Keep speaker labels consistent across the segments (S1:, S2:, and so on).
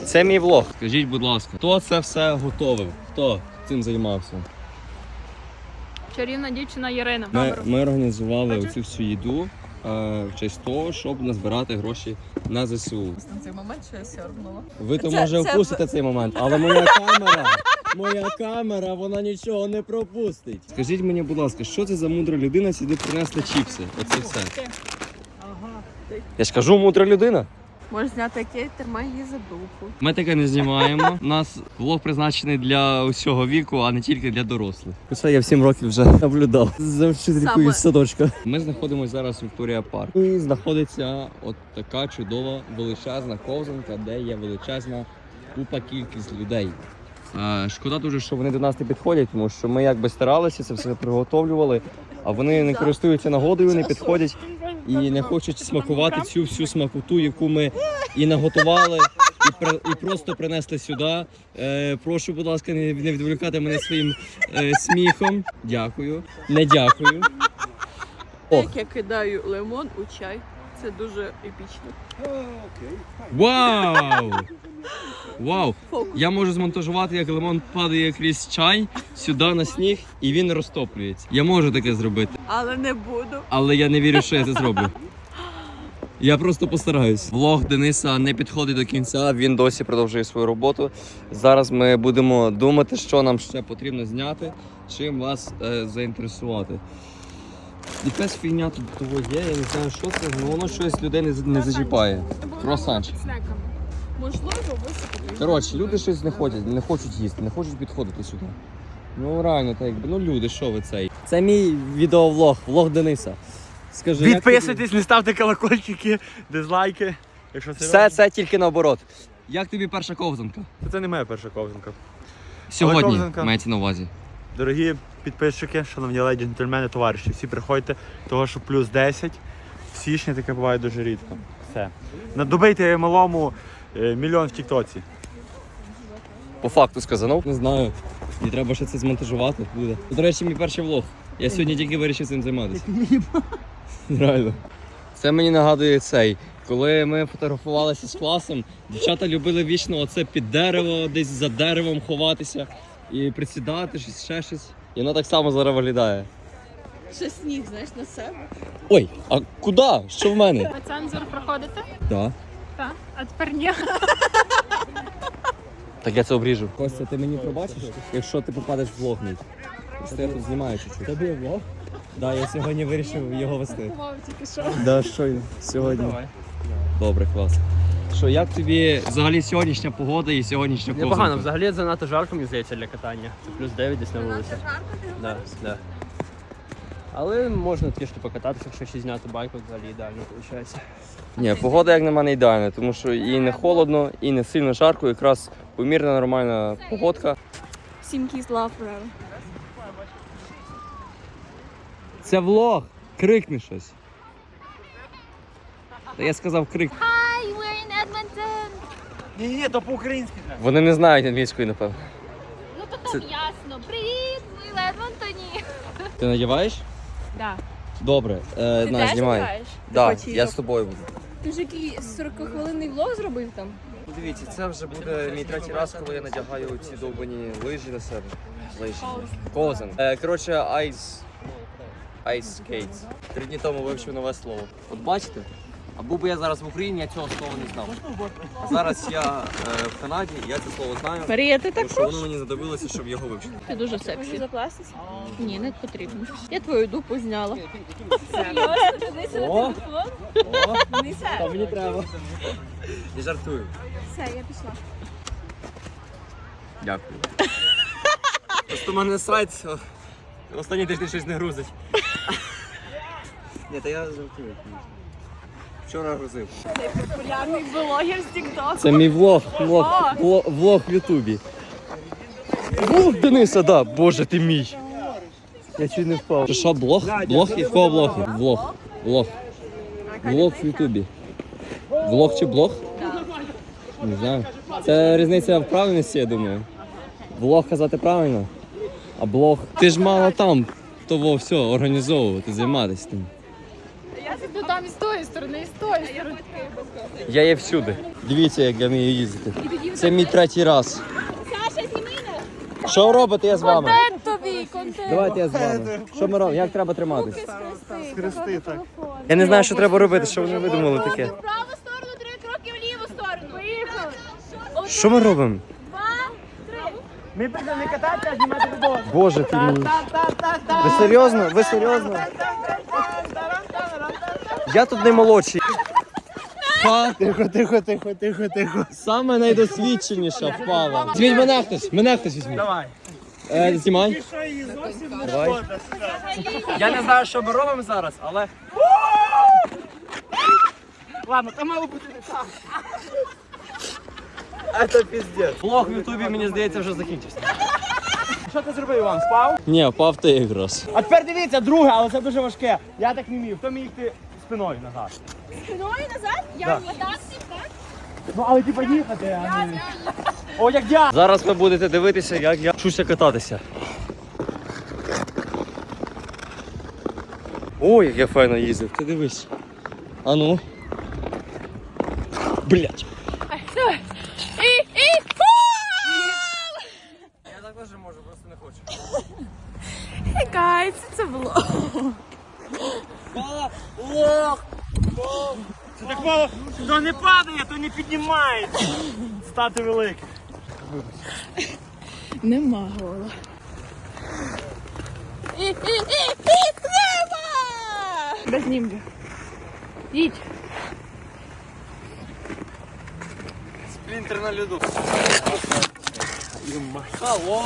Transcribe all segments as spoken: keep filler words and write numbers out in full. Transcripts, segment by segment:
S1: Це мій влог. Скажіть, будь ласка, хто це все готовив? Хто цим займався?
S2: Чарівна дівчина Ірина.
S1: Ми, ми організували оцю всю їду е, в честь того, щоб назбирати гроші на ЗСУ.
S3: На цей момент, що я сьорбнула.
S1: Ви то
S3: Це-
S1: може
S3: це-
S1: впустите цей момент, але моя камера, моя камера, вона нічого не пропустить. Скажіть мені, будь ласка, що це за мудра людина сюди принесла чіпси? Оце все. Я ж кажу, мудра людина.
S3: Можеш зняти який тримай її за дупу.
S1: Ми таке не знімаємо. У нас влог призначений для усього віку, а не тільки для дорослих. Це я в сім років вже наблюдав за вчителькою з садочка. Ми знаходимося зараз в Вікторія Парк. І знаходиться от така чудова величезна ковзанка, де є величезна купа кількість людей. Е, шкода дуже, що вони до нас не підходять, тому що ми якби старалися, це все приготовлювали, а вони не користуються нагодою, не підходять і не хочуть смакувати цю всю смакоту, яку ми і наготували, і, при, і просто принесли сюди. Е, прошу, будь ласка, не, не відволікати мене своїм е, сміхом. Дякую. Не дякую. Ох.
S3: Як я кидаю лимон у чай. Це дуже епічно.
S1: Вау! Вау!
S3: Фокус.
S1: Я можу змонтажувати, як лимон падає крізь чай сюди на сніг і він розтоплюється. Я можу таке зробити,
S3: Але не буду.
S1: але я не вірю, що я це зроблю. Я просто постараюсь. Влог Дениса не підходить до кінця, він досі продовжує свою роботу. Зараз ми будемо думати, що нам ще потрібно зняти, чим вас е, заінтересувати. Якась фігня тут того є, я не знаю, що це, але воно щось людей не, не зачіпає. Круасанчик.
S3: Можливо, висипати.
S1: Коротше, люди щось не хочуть, не хочуть їсти, не хочуть підходити сюди. Ну реально, так якби, ну люди, що ви цей? Це мій відеовлог, влог Дениса. Скажи,
S4: Підписуйтесь, не ставте колокольчики, дизлайки. Якщо це
S1: все це тільки наоборот. Як тобі перша ковзанка?
S4: Це, це не моя перша ковзанка.
S1: Сьогодні
S4: ковзанка.
S1: мається на увазі.
S4: Дорогі підписчики, шановні леді, джентльмени, товариші, всі приходьте, того що плюс десять. В січні таке буває дуже рідко. Все. Надобийте малому е, мільйон в тіктоці.
S1: По факту сказано. Не знаю. Мені треба ще це змонтажувати буде. До речі, мій перший влог. Я сьогодні тільки вирішив цим займатися. Реально. Це мені нагадує цей. Коли ми фотографувалися з класом, дівчата любили вічно оце під дерево, десь за деревом ховатися і присідати, щось, ще щось. І воно так само зараз виглядає.
S3: Ще сніг, знаєш, на себе.
S1: Ой, а куди? Що в мене?
S2: А цензор проходите?
S1: Так.
S2: Так. А тепер ні.
S1: Так я це обріжу. Костя, ти мені пробачиш, якщо ти попадеш в влог мій? Просто я тут знімаю чуть-чуть. Тобі влог? Так, я сьогодні вирішив його вести.
S2: Мов тільки що.
S1: Да, що сьогодні. Добре, клас. Що, як тобі взагалі сьогоднішня погода і сьогоднішня ковзанка?
S5: Непогано, взагалі занадто жарко, мені здається, для катання. Це плюс дев'ять десь на вулиці. Да, да. Але можна трішки покататися, якщо ще зняти байку, взагалі ідеально виходить.
S1: Ні, погода як на мене ідеальна, тому що і не холодно, і не сильно жарко, якраз помірна нормальна погодка.
S3: Сім кіз love forever.
S1: Це влог! Крикни щось. Та я сказав крик.
S2: Hi, we're in Edmonton.
S4: Ні-ні, то по-українськи треба.
S1: Вони не знають англійської, напевно.
S2: Ну то там ясно. Привіт, ми в Едмонтоні.
S1: Ти надіваєш?
S2: Да.
S1: Добре, е,
S3: Ти
S1: на,
S3: теж
S1: знімай.
S3: граєш?
S1: Да,
S3: Ти
S1: я з тобою буду.
S3: Ти ж який сорокахвилинний влог зробив там?
S1: Дивіться, це вже буде мій третій раз, коли я надягаю ці довбані лижі на себе. Лижі. Ковзан. Е, коротше, ice... Ice skates. Три дні тому вивчив нове слово. От бачите? А був би я зараз в Україні, я цього слова не знав. А зараз я е, в Канаді, і я це слово знаю.
S3: Марія, ти
S1: Тому що воно мені знадобилося, щоб його вивчити.
S3: Ти дуже сексі. Запластися? Ні, не потрібно. Я твою дупу зняла.
S1: О! О! Та мені треба. Я жартую.
S3: Все, я пішла.
S1: Дякую. Просто в мене сайт останні тиждень щось не грузить. Ні, та я жартую. Вчора грузив.
S3: Популярний блогер з TikTok.
S1: Це мій влог, влог, влог, влог в Ютубі. Влог Дениса, да, боже ти мій. Я чуть не впав. Це що, блог? Блог і в кого блог? Влог. Влог. Влог в Ютубі. Влог чи блог? Не знаю. Це різниця в правильності, я думаю. Влог казати правильно, а блог. Ти ж мала там того все організовувати, займатися тим.
S3: Я Ну там і з тої сторони, і з тої сторони.
S1: Я є всюди. Дивіться, як я вмію їздити. Це мій третій раз.
S2: Саша, зніми нас.
S1: Що ви робите, я з вами?
S3: Контент тобі, контент.
S1: Давайте я з вами. Що ми робимо? Як треба триматись?
S4: Хрести так.
S1: Я не знаю, що треба робити, що вони видумали таке.
S2: В праву сторону, три кроки в ліву сторону. Поїхали.
S1: Що ми робимо?
S2: Два, три.
S4: Ми прийшли не кататися, а знімати відео.
S1: Боже ти мій. Ви серйозно? Ви серйозно? Я тут не молодший. Ха,
S4: Тихо, тихо, тихо, тихо, тихо.
S1: саме найдосвідченіша впала. Візьміть мене хтось, мене хтось візьміть.
S4: Давай.
S1: Е, знімай.
S4: Ти що, її зовсім не
S1: Давай.
S4: шкода?
S1: Я не знаю, що ми робимо зараз, але...
S4: Ладно, там мало бути не так.
S1: Це піздець. Влог в Ютубі, мені здається, вже закінчився.
S4: Що ти зробив, Іван, спав?
S1: Ні, впав ти якраз.
S4: А тепер дивіться, друге, але це дуже важке. Я так не вмів. Хто міг йти спиною назад?
S2: Спиною назад? Я
S4: Да.
S2: отак, так?
S4: Ну, але типа їхати, а не... О, як я!
S1: Зараз ви будете дивитися, як я вчуся кататися. Ой, як я файно їздив, ти дивись. А ну. Блять.
S3: І, і,
S1: Я також можу, просто не хочу.
S3: Гайс, це було.
S4: Це так мало, то не падає, то не піднімається. Стати великим.
S3: Нема гола. І, і, і, і, треба! Без німбі. Їдь.
S1: Сплінтер на льоду. Алло.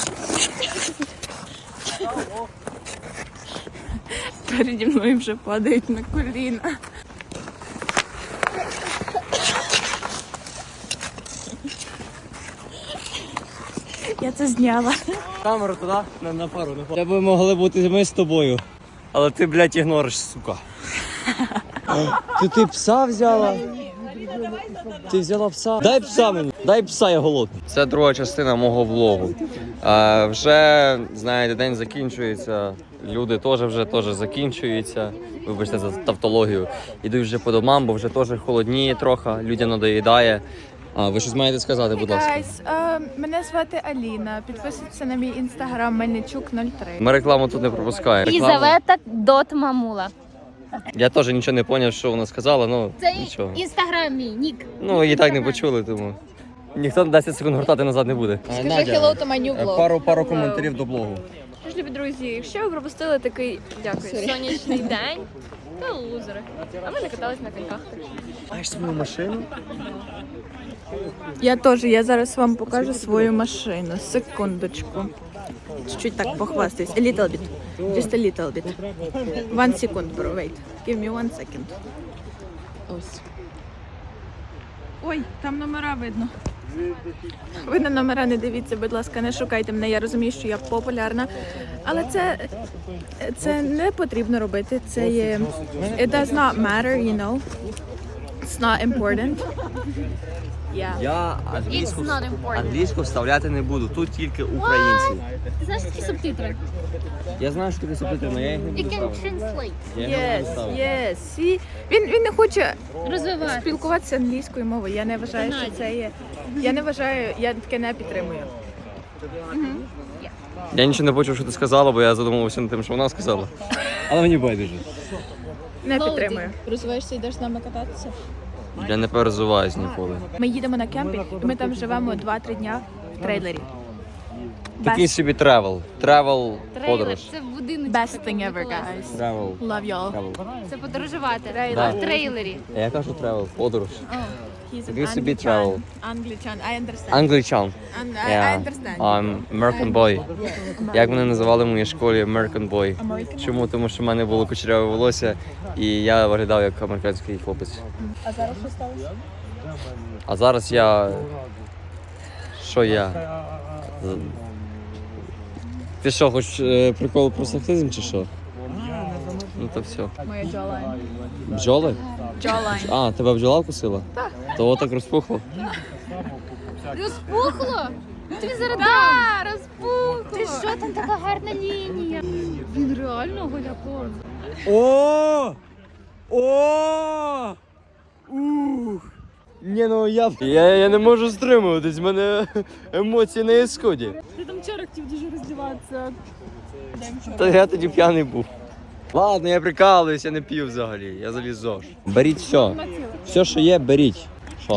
S3: Переді мною вже падають на коліна. Я це зняла.
S1: Камеру туди, на, на пару, на пару. Це би могли бути ми з тобою. Але ти, блядь, ігнориш, сука. Ти, ти пса взяла? Ти взяла пса? Дай пса мені. Дай пса, я голодний. Це друга частина мого влогу. А, вже, знаєте, день закінчується. Люди теж вже теж закінчуються. Вибачте за тавтологію. Ідуть вже по домам, бо вже теж холодніє трохи, людям надоїдає. А, ви щось маєте сказати, будь ласка.
S3: Гайс, е, мене звати Аліна. Підписуйтесь на мій інстаграм Мельничук нуль три.
S1: Ми рекламу тут не пропускаємо. Рекламу-
S2: Єлизавета Дот Мамула.
S1: Я теж нічого не зрозумів, що вона сказала, ну
S2: Це
S1: нічого.
S2: інстаграм мій, нік.
S1: Ну, її так не почули, тому ніхто десять секунд гортати назад не буде.
S3: Скажи hello to my new vlog.
S1: Пару, пару коментарів до блогу.
S3: Тож, любі друзі, якщо ви пропустили такий дякую, сонячний день, то лузери. А ми не катались на коньках.
S1: Маєш свою машину?
S3: Я теж, я зараз вам покажу свою машину. Секундочку. Чуть-чуть так похвастаюсь. A little bit. Just a little bit. One second, bro. Wait. Give me one second. Ось. Ой, там номера видно. Ви на номера не дивіться, будь ласка, не шукайте мене. Я розумію, що я популярна. Але це, це не потрібно робити. Це є... It does not matter, you know. It's not important. Yeah.
S1: Я
S2: It's
S1: англійську,
S2: not important.
S1: англійську вставляти не буду, тут тільки українці.
S2: Ти знаєш такі субтитри?
S1: Я знаю, що таке субтитри, але я їх не
S2: You
S1: буду
S2: can
S1: ставити.
S2: translate.
S1: Я їх не
S3: Yes,
S1: буду ставити.
S3: yes. See? Він, він не хоче
S2: Розвивати.
S3: спілкуватися англійською мовою. Я не вважаю, що це є. Я не вважаю, я таке не підтримую.
S1: Я нічого не почув, що ти сказала, бо я задумувався над тим, що вона сказала. Але мені байдуже.
S3: Не
S2: Молоді.
S3: підтримую. Розвиваєшся, йдеш з нами кататися?
S1: Я не перезуваюсь ніколи.
S3: Ми їдемо на кемпінг, і ми там живемо два-три дня в трейлері.
S1: Такий
S3: Best,
S1: собі тревел. Тревел
S2: Трейлер.
S1: подорож.
S2: Це в будиночку.
S3: best thing ever, guys.
S1: Тревел.
S3: Love y'all.
S1: Тревел.
S2: Це подорожувати.
S1: Да.
S2: В трейлері.
S1: А я кажу тревел, подорож.
S3: He's an
S1: Такий собі
S3: Anglican.
S1: travel.
S3: Anglican, I understand.
S1: Англічан.
S3: And I, I
S1: Yeah.
S3: understand.
S1: I'm American boy. Як мене називали в моїй школі American boy.
S3: American?
S1: Чому? Тому що в мене було кучеряве волосся і я виглядав як американський хлопець.
S3: А зараз що сталося?
S1: А зараз я. Що я? Ти що, хочеш е, прикол про сексизм чи що? Ну то все.
S3: Моя jawline.
S1: Бджоли?
S3: Jawline.
S1: А, тебе бджола вкусила? Так. То так розпухло?
S2: Розпухло? Тобі зараз да, розпухло. Ти що, там така гарна лінія? Він реально голяком.
S4: О!
S1: О! Ух! Ні, ну я, я, я не можу стримуватись, в мене емоції на ісході.
S2: Ти там вчора хотів дуже роздіватися.
S1: Та я тоді п'яний був. Ладно, я прикалуюсь, я не п'ю взагалі, я заліз ЗОЖ. Беріть все. Все, що є, беріть. Що?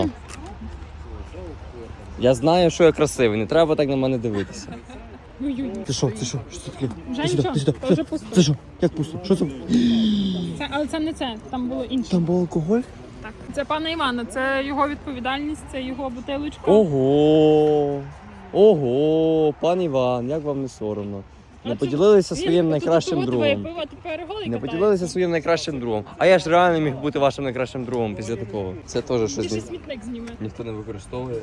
S1: Я знаю, що я красивий, не треба так на мене дивитися. Ти що, ти що? Що це таке?
S2: Вже
S1: Ти сюди,
S2: нічого,
S1: ти сюди.
S2: то вже пусто.
S1: Це що? Як пусто? Що це?
S2: Це, але це не це, там було інше.
S1: Там був алкоголь?
S2: Так. Це пана Івана, це його відповідальність, це його бутилочка.
S1: Ого! Ого! Пан Іван, як вам не соромно? Не поділилися своїм найкращим другом.
S2: Пиво, тепер голий
S1: Не
S2: катає.
S1: поділилися своїм найкращим другом. А я ж реально міг бути вашим найкращим другом після такого. Це теж щось
S2: Більше
S1: ні-
S2: смітник зніме.
S1: ніхто не використовує.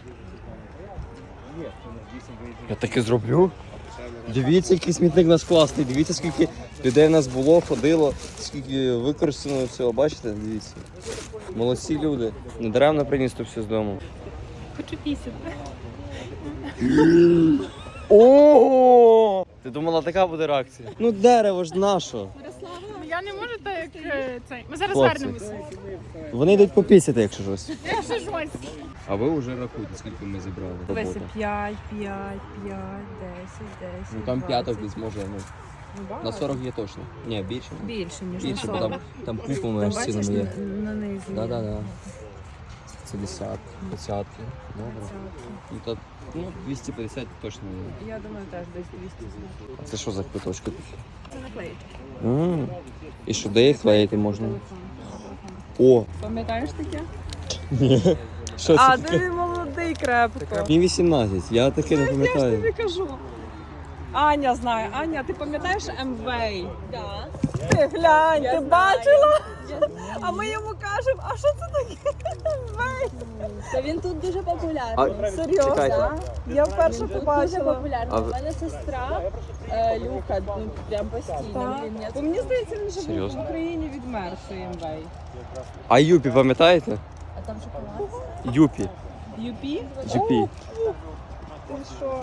S1: Я таке зроблю. Дивіться, який смітник у нас класний. Дивіться, скільки людей в нас було, ходило, скільки використано всього. Бачите? Дивіться. Молодці люди. Недаремно приніс то все з дому.
S2: Хочу пісяти.
S1: Ого! Ти думала, така буде реакція? Ну дерево ж наше.
S2: Я не можу так, як е, цей. Ми зараз
S1: Хлопці.
S2: вернемося.
S1: Вони йдуть попісяти, якщо щось.
S2: Я ще щось.
S1: А ви вже рахуйте, скільки ми зібрали.
S6: Дивися, п'ять, п'ять, п'ять, десять, десять.
S1: Ну там п'яток
S6: двадцять.
S1: десь може, ну,
S6: Ну, багато.
S1: на сорок є точно. Ні, більше.
S6: Більше, ніж
S1: Більше,
S6: на
S1: бо
S6: сорок.
S1: там, там купами
S6: Там
S1: аж
S6: бачиш
S1: цінами є.
S6: на, на низі.
S1: Да, да, да. Це десятки, двадцятки. Добре. Ну, то, ну, двісті п'ятдесят точно є.
S6: Я думаю, теж десь двісті.
S1: А це що за квиточки такі?
S6: Це наклеїть.
S1: М. І що, де їх клеїти можна? О!
S6: Пам'ятаєш таке?
S1: Ні. Що
S6: А,
S1: це таке?
S6: ти молодий крепко.
S1: Мені вісімнадцять, я таке не
S6: Я ж
S1: пам'ятаю.
S6: тобі кажу. Аня знає. Аня, ти пам'ятаєш Емвей? Так. Ти глянь, ти бачила? А ми йому кажемо, а що це таке Емвей?
S7: Та він тут дуже популярний.
S1: А,
S6: Серйозно?
S1: чекайте.
S6: Я вперше
S7: Він тут дуже
S6: побачила.
S7: популярний.
S1: А
S7: У
S1: ви-
S7: мене сестра е, Люка, ну прям постійно.
S6: Так.
S7: Блін, я
S6: Бо мені здається, він вже був
S1: Серйозно?
S6: в Україні відмер, цей Емвей.
S1: А Юпі, пам'ятаєте?
S7: А там шоколад.
S1: Юпі.
S6: Юпі?
S1: Юпі.
S6: Ти що?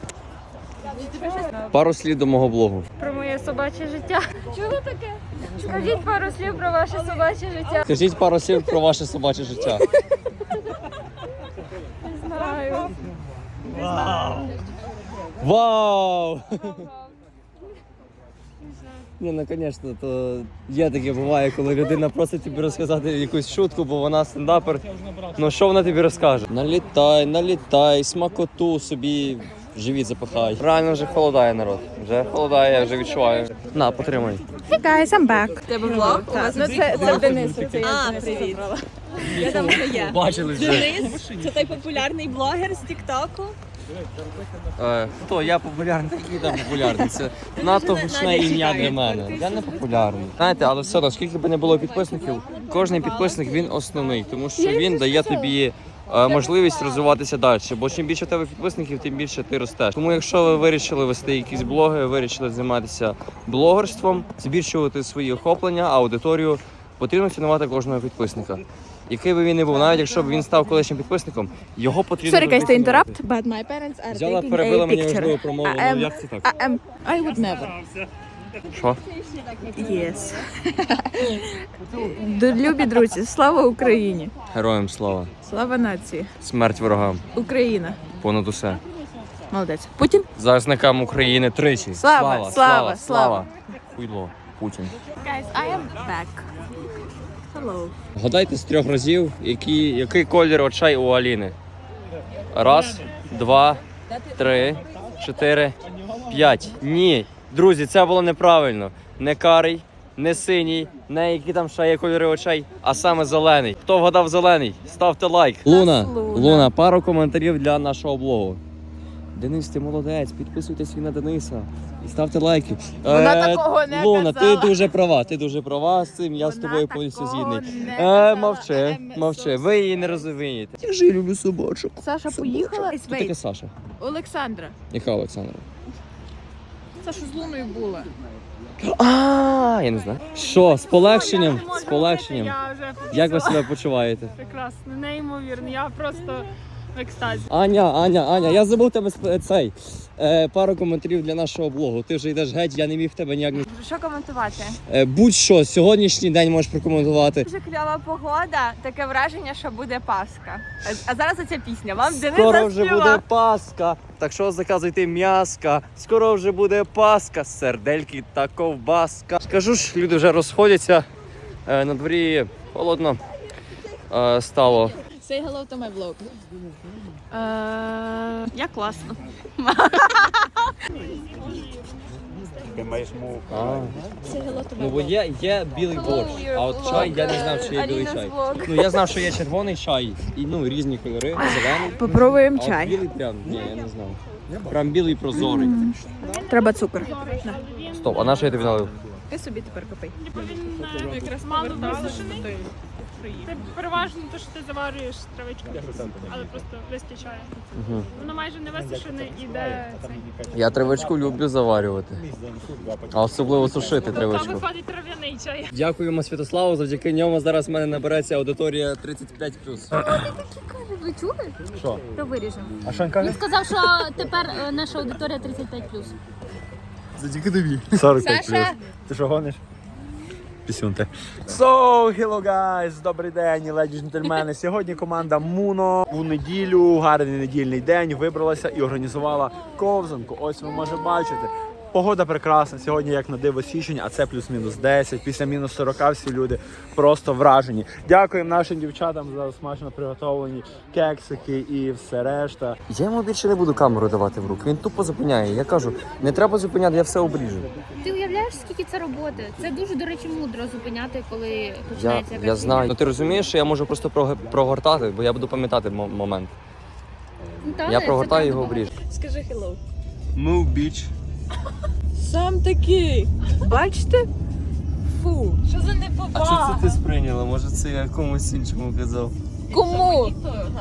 S1: Пару слів до мого блогу.
S2: Про моє собаче життя. Чого таке? Скажіть пару слів про ваше собаче життя.
S1: Скажіть пару слів про ваше собаче життя.
S2: Знаю.
S1: Вау! Ні, ну звісно, то є таке буває, коли людина просить тобі розказати якусь шутку, бо вона стендапер. Ну що вона тобі розкаже? Налітай, налітай, смакоту собі в живіт запихай. Реально вже холодає народ. Вже холодає, я вже відчуваю. На, потримай.
S3: Hey guys, I'm back.
S6: Тебе влог?
S3: Так, ну це, це Дениса, це я
S7: А,
S3: Дениса
S7: привіт.
S3: забрала.
S7: Я там вже є.
S1: Бачили вже.
S7: Денис, це той популярний блогер з Тіктоку.
S1: Е, хто? Я популярний, який там популярний. Це надто гучне ім'я для мене. Я не популярний. Знаєте, але все одно, скільки б не було підписників, кожен підписник він основний, тому що він дає тобі е, можливість розвиватися далі. Бо чим більше в тебе підписників, тим більше ти ростеш. Тому якщо ви вирішили вести якісь блоги, вирішили займатися блогерством, збільшувати свої охоплення, аудиторію, потрібно цінувати кожного підписника. Який би він не був, навіть якщо б він став колишнім підписником, його потрібно.
S3: Sorry guys to
S1: завжди цінувати.
S3: interrupt, but my parents are
S1: Взяла,
S3: taking
S1: перебила
S3: a
S1: мені
S3: picture.
S1: важливу промову,
S3: I
S1: ну
S3: am-
S1: як це так?
S3: I am, I would never.
S1: Що?
S3: Yes. Любі друзі, слава Україні!
S1: Героям слава.
S3: Слава нації!
S1: Смерть ворогам.
S3: Україна!
S1: Понад усе.
S3: Молодець. Путін?
S1: Захисникам України тричі.
S3: Слава, слава, слава.
S1: Хуйло. Путін.
S3: Guys, I am back. Hello.
S1: Гадайте з трьох разів, який, який колір очей у Аліни. Раз, два, три, чотири, п'ять. Ні. Друзі, це було неправильно. Не карий, не синій, не які там ще є кольори очей, а саме зелений. Хто вгадав зелений? Ставте лайк. Луна,
S3: Луна.
S1: Луна, пару коментарів для нашого блогу. Денис, ти молодець, підписуйтесь на Дениса і ставте лайки.
S3: Вона
S1: Е,
S3: такого не
S1: Луна,
S3: казала.
S1: ти дуже права, ти дуже права з цим, я з
S3: Вона
S1: тобою повністю
S3: такого
S1: згідний.
S3: не
S1: Е,
S3: казала.
S1: мовчи,
S3: Ем,
S1: мовчи, ви її не розумієте. Я ж люблю собачок.
S3: Саша поїхала?
S1: Хто таке Саша?
S3: Олександра.
S1: Яка Олександра?
S3: Саша з Луною була.
S1: А, я не знаю. Що, з полегшенням? З полегшенням.
S2: Я вже
S1: Як ви себе почуваєте?
S2: прекрасно, неймовірно. Я просто
S6: в екстазі.
S1: Аня, Аня, Аня, я забув тебе сп- цей е, пару коментарів для нашого блогу. Ти вже йдеш геть, я не міг тебе ніяк не.
S2: Що коментувати?
S1: Е, будь-що, сьогоднішній день можеш прокоментувати.
S2: Дуже кльова погода, таке враження, що буде Пасха. А- А зараз оця пісня. Вам Денис
S1: Скоро вже
S2: заспівав.
S1: буде Пасха, так що заказуйте м'яска. Скоро вже буде Пасха, сердельки та ковбаска. Скажу ж, люди вже розходяться. Е, на дворі холодно е, стало.
S3: Say hello to my vlog.
S2: Е, Я класно.
S4: Ти маєш мову.
S1: А,
S3: Say hello to
S1: ну
S3: my
S1: бо
S3: vlog.
S1: є, є білий борщ, а от чай я не знав, що є білий чай. Ну я знав, що є червоний чай, і ну різні кольори, зелений.
S3: Попробуємо
S1: А от
S3: чай.
S1: білий прям, ні, я не знав. Прям білий прозорий.
S3: Треба цукор.
S1: Стоп, а на що я тобі налив?
S3: Ти собі тепер копай.
S6: Він якраз мало висушений. Це переважно те, що ти заварюєш травичку, але просто вистачає.
S1: Угу.
S6: Воно майже не висушене, іде цей.
S1: Я травичку люблю заварювати. А особливо сушити
S6: Тобто
S1: травичку.
S6: виходить трав'яний чай.
S1: Дякуємо Святославу, завдяки ньому зараз в мене набереться аудиторія тридцять п'ять плюс.
S8: Ви чули?
S4: Що?
S8: То виріжемо.
S4: А що він каже?
S8: Він сказав, що тепер е, наша аудиторія тридцять п'ять плюс.
S1: Завдяки тобі.
S4: сорок п'ять плюс. Ти що гониш? Пісюнте. So, hello guys, добрий день, леді джентльмени. Сьогодні команда Муно у неділю, гарний недільний день, вибралася і організувала ковзанку. Ось ви можете бачити. Погода прекрасна, сьогодні як на диво січень, а це плюс-мінус десять, після мінус сорок всі люди просто вражені. Дякуємо нашим дівчатам за смачно приготовлені кексики і все решта.
S1: Я йому більше не буду камеру давати в руки. Він тупо зупиняє. Я кажу, не треба зупиняти, я все обріжу.
S8: Ти уявляєш, скільки це роботи? Це дуже, до речі, мудро зупиняти, коли
S1: Я,
S8: починається якась
S1: я
S8: війна.
S1: знаю. Ну ти розумієш, що я можу просто прог- прогортати, бо я буду пам'ятати мо- момент.
S8: Ну, та,
S1: Я
S8: це
S1: прогортаю і його
S8: правда.
S1: обріжу.
S3: Скажи hello.
S1: Move, bitch.
S3: Сам такий. Бачите? Фу.
S2: Що за
S1: А
S2: неповага?
S1: що це ти сприйняла? Може це я комусь іншому казав?
S3: Кому?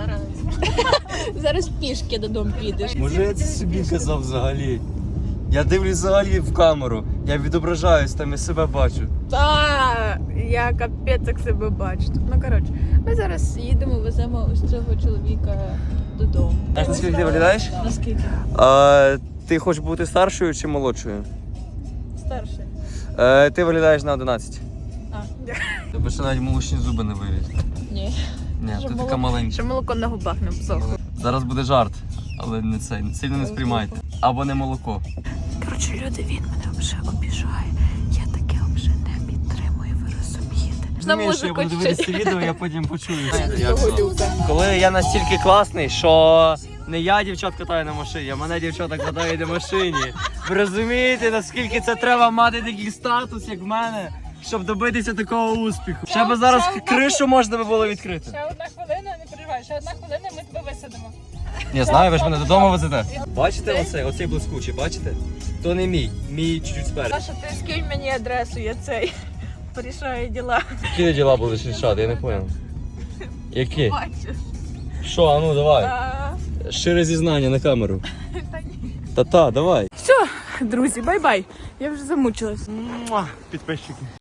S3: Зараз пішки додому підеш.
S1: Може я це собі казав взагалі? Я дивлюсь взагалі в камеру. Я відображаюсь, там я себе бачу.
S3: Та, я капець як себе бачу. Ну коротше, ми зараз їдемо, веземо ось цього чоловіка додому.
S1: Знаєш, наскільки ти виглядаєш?
S3: Наскільки?
S1: А, ти хочеш бути старшою чи молодшою?
S3: Старший.
S1: Е, ти виглядаєш на одинадцять.
S3: А, дякую.
S1: Тебе ще навіть молочні зуби не вилізли.
S3: Ні.
S1: Ні,
S3: Щоб
S1: ти
S3: моло-
S1: така маленька.
S3: Що молоко на губах не всохло.
S1: Зараз буде жарт, але не цей. Сильно не сприймайте. Або не молоко.
S3: Коротше, люди, він мене вже обіжає. Я таке вже не підтримую, ви розумієте?
S1: Розумієш, що я буду дивитися це відео, я потім почую. Коли я настільки класний, що не я дівчат катаю на машині, а мене дівчата катають на машині. Ви розумієте, наскільки це треба мати такий статус, як в мене, щоб добитися такого успіху? Ще би зараз кришу можна би було відкрити.
S6: Ще одна хвилина, не переживай, ще одна хвилина, ми тебе висадимо.
S1: Не знаю, ви ж мене додому везете. Бачите оцей, оцей блискучий, бачите? То не мій, мій чуть-чуть спереду.
S3: Саша, ти скинь мені адресу, я цей порішаю діла.
S1: Які діла будеш рішати, я не понял. Які?
S3: Бачиш?
S1: Що, а ну давай.
S3: А,
S1: Щире зізнання на камеру. Та-та, давай.
S3: Друзі, бай-бай. Я вже замучилась.
S4: Муа, підписчики.